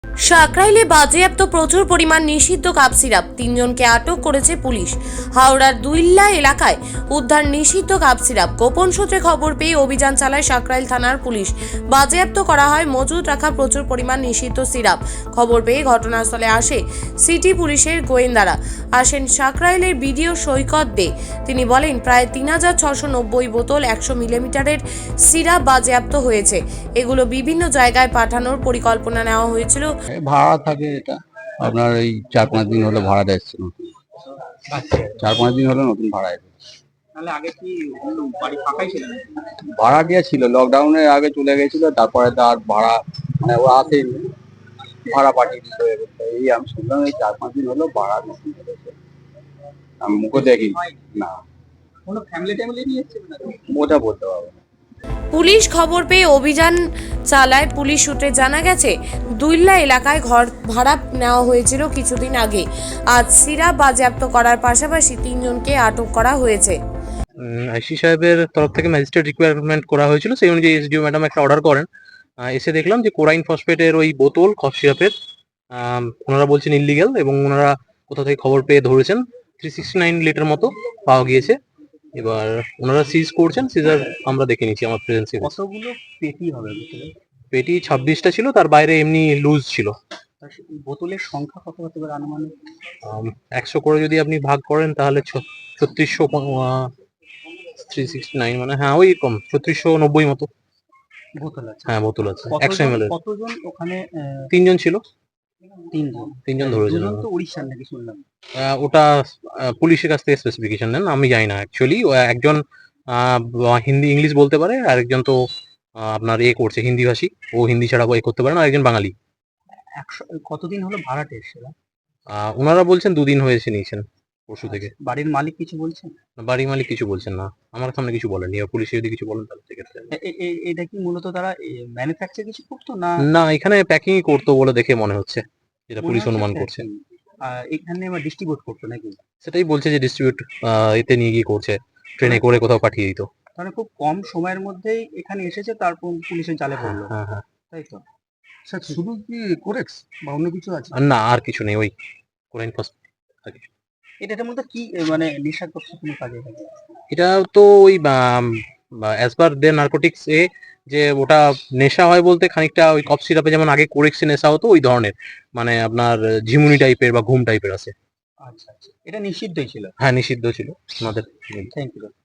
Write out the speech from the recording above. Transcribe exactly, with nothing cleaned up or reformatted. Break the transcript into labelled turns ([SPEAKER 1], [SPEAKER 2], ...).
[SPEAKER 1] সাকরাইলে বাজেয়াপ্ত প্রচুর পরিমাণ নিষিদ্ধ কাপ সিরাপ, তিনজনকে আটক করেছে পুলিশ। হাওড়ার দুইল্লা এলাকায় উদ্ধার নিষিদ্ধ কাপ সিরাপ। গোপন সূত্রে খবর পেয়ে অভিযান চালায় সাকরাইল থানার পুলিশ। বাজেয়াপ্ত করা হয় মজুদ রাখা প্রচুর পরিমাণ নিষিদ্ধ সিরাপ। খবর পেয়ে ঘটনাস্থলে আসে সিটি পুলিশের গোয়েন্দারা। আসেন সাকরাইলের বিডিও সৈকত দে। তিনি বলেন, প্রায় তিন হাজার ছশো নব্বই বোতল একশো মিলিমিটারের সিরাপ বাজেয়াপ্ত হয়েছে। এগুলো বিভিন্ন জায়গায় পাঠানোর পরিকল্পনা নেওয়া হয়েছিল।
[SPEAKER 2] ভাড়া থাকে, এটা আপনার এই চার পাঁচ দিন হলো ভাড়াটা এসছে নতুন। চার পাঁচ দিন হলো নতুন ভাড়া এসেছে।
[SPEAKER 3] তাহলে আগে কি বাড়ি ফাঁকাই ছিল না?
[SPEAKER 2] ভাড়াটিয়া ছিল, লকডাউনের আগে চলে গেছিল, তারপরে তো আর ভাড়া মানে ও আসেনি, ভাড়া পাঠিয়ে দিতে হবে। এই আমি শুনলাম এই চার পাঁচ দিন হলো ভাড়া বেশি করেছে। আমি মুখে দেখি না,
[SPEAKER 3] কোনো ফ্যামিলি ট্যামিলি নিয়ে এসেছিল না?
[SPEAKER 2] ওটা বলতে পারবো না।
[SPEAKER 1] পুলিশ খবর পেয়ে অভিযান চালায়। পুলিশ সূত্রে জানা গেছে, দুইল্লা এলাকায় ঘর ভাড়া নেওয়া হয়েছিল কিছুদিন আগে। আজ সিরাপ বাজেয়াপ্ত করার পাশাপাশি তিনজনকে আটক করা হয়েছে।
[SPEAKER 4] আইসি সাহেবের তরফ থেকে ম্যাজিস্ট্রেট রিকোয়ারমেন্ট করা হয়েছিল, সেই অনুযায়ী এসডিও ম্যাডাম একটা অর্ডার করেন। আহ, এসে দেখলাম যে কোরাইন ফসফেটের ওই বোতল কফ সিরাপের ওনারা বলছেন ইলিগাল, এবং ওনারা কোথা থেকে খবর পেয়ে ধরেছেন থ্রি সিক্সটি নাইন লিটার মতো পাওয়া গিয়েছে। এবার ওনারা সিজ করছেন, সিজার আমরা দেখে নিচ্ছি আমার প্রেজেন্সে।
[SPEAKER 3] কতগুলো পেটি হবে বোতলে?
[SPEAKER 4] পেটি ছাব্বিশটা ছিল, তার বাইরে এমনি লুজ ছিল।
[SPEAKER 3] বোতলের সংখ্যা কত হতে পারে আনুমানিক?
[SPEAKER 4] একশো করে যদি আপনি ভাগ করেন তাহলে ছত্রিশশো থ্রি সিক্সটি নাইন মানে হ্যাঁ ওই কম ছত্রিশশো নব্বই মতো
[SPEAKER 3] বোতল আছে।
[SPEAKER 4] হ্যাঁ বোতল আছে একশো
[SPEAKER 3] কতজন
[SPEAKER 4] এম এল এর।
[SPEAKER 3] কতজন ওখানে? আহ,
[SPEAKER 4] তিনজন ছিল,
[SPEAKER 3] তিনজন
[SPEAKER 4] তিনজন ধরেছিল।
[SPEAKER 3] দুজন তো উড়িষ্যার নাকি শুনলাম।
[SPEAKER 4] আহ, ওটা আহ, পুলিশের কাছ থেকে স্পেসিফিকেশন নেন, আমি জানি না অ্যাকচুয়ালি। একজন আহ, হিন্দি ইংলিশ বলতে পারে, আর একজন তো আহ, আপনার এ করছে হিন্দি ভাষী, ও হিন্দি ছাড়া এ করতে পারে না, আর একজন বাঙালি।
[SPEAKER 3] একশো কতদিন হলো ভাড়াটে এসেছিল?
[SPEAKER 4] আহ, ওনারা বলছেন দুদিন হয়েছে নিয়েছেন, পরশু থেকে।
[SPEAKER 3] বাড়ির মালিক কিছু বলছেন?
[SPEAKER 4] বাড়ি মালিক কিছু বলছেন না, আমার সামনে কিছু বলেনি। এবার পুলিশে যদি কিছু বলেন তাহলে সেক্ষেত্রে
[SPEAKER 3] এ- এ- এ- এটা কি মূলত তারা ম্যানুফ্যাকচার কিছু করতো না?
[SPEAKER 4] না, এখানে প্যাকিং করতো বলে দেখে মনে হচ্ছে, যেটা
[SPEAKER 3] মনে
[SPEAKER 4] পুলিশ
[SPEAKER 3] হচ্ছে
[SPEAKER 4] অনুমান
[SPEAKER 3] packing।
[SPEAKER 4] করছে।
[SPEAKER 3] আহ, এখানে আবার ডিস্ট্রিবিউট করতো নাকি?
[SPEAKER 4] সেটাই বলছে যে ডিস্ট্রিবিউট এতে নিয়ে গিয়ে করছে, ট্রেনে করে কোথাও পাঠিয়ে দিত।
[SPEAKER 3] তাহলে খুব কম সময়ের মধ্যেই এখানে এসেছে, তারপর পুলিশের জালে
[SPEAKER 4] হ্যাঁ
[SPEAKER 3] পড়লো,
[SPEAKER 4] হ্যাঁ হ্যাঁ।
[SPEAKER 3] তাই তো?
[SPEAKER 2] স্যার শুধু কি কোরেক্স বা অন্য কিছু আছে?
[SPEAKER 4] আর না, আর কিছু নেই, ওই কোরাইন ফার্স্ট।
[SPEAKER 3] এটার মধ্যে কি এ, মানে নেশাগ্রস্ত কোনো কাজে লাগে?
[SPEAKER 4] এটা তো ওই অ্যাজ পার দে নার্কোটিক্স এ, যে ওটা নেশা হয় বলতে খানিকটা ওই কফ সিরাপে যেমন আগে কোরেক্সে নেশা হতো, ওই ধরনের, মানে আপনার ঝিমুনি টাইপের বা ঘুম টাইপের আছে।
[SPEAKER 3] আচ্ছা আচ্ছা, এটা নিষিদ্ধই ছিল।
[SPEAKER 4] হ্যাঁ নিষিদ্ধ ছিল আমাদের।
[SPEAKER 3] Thank you.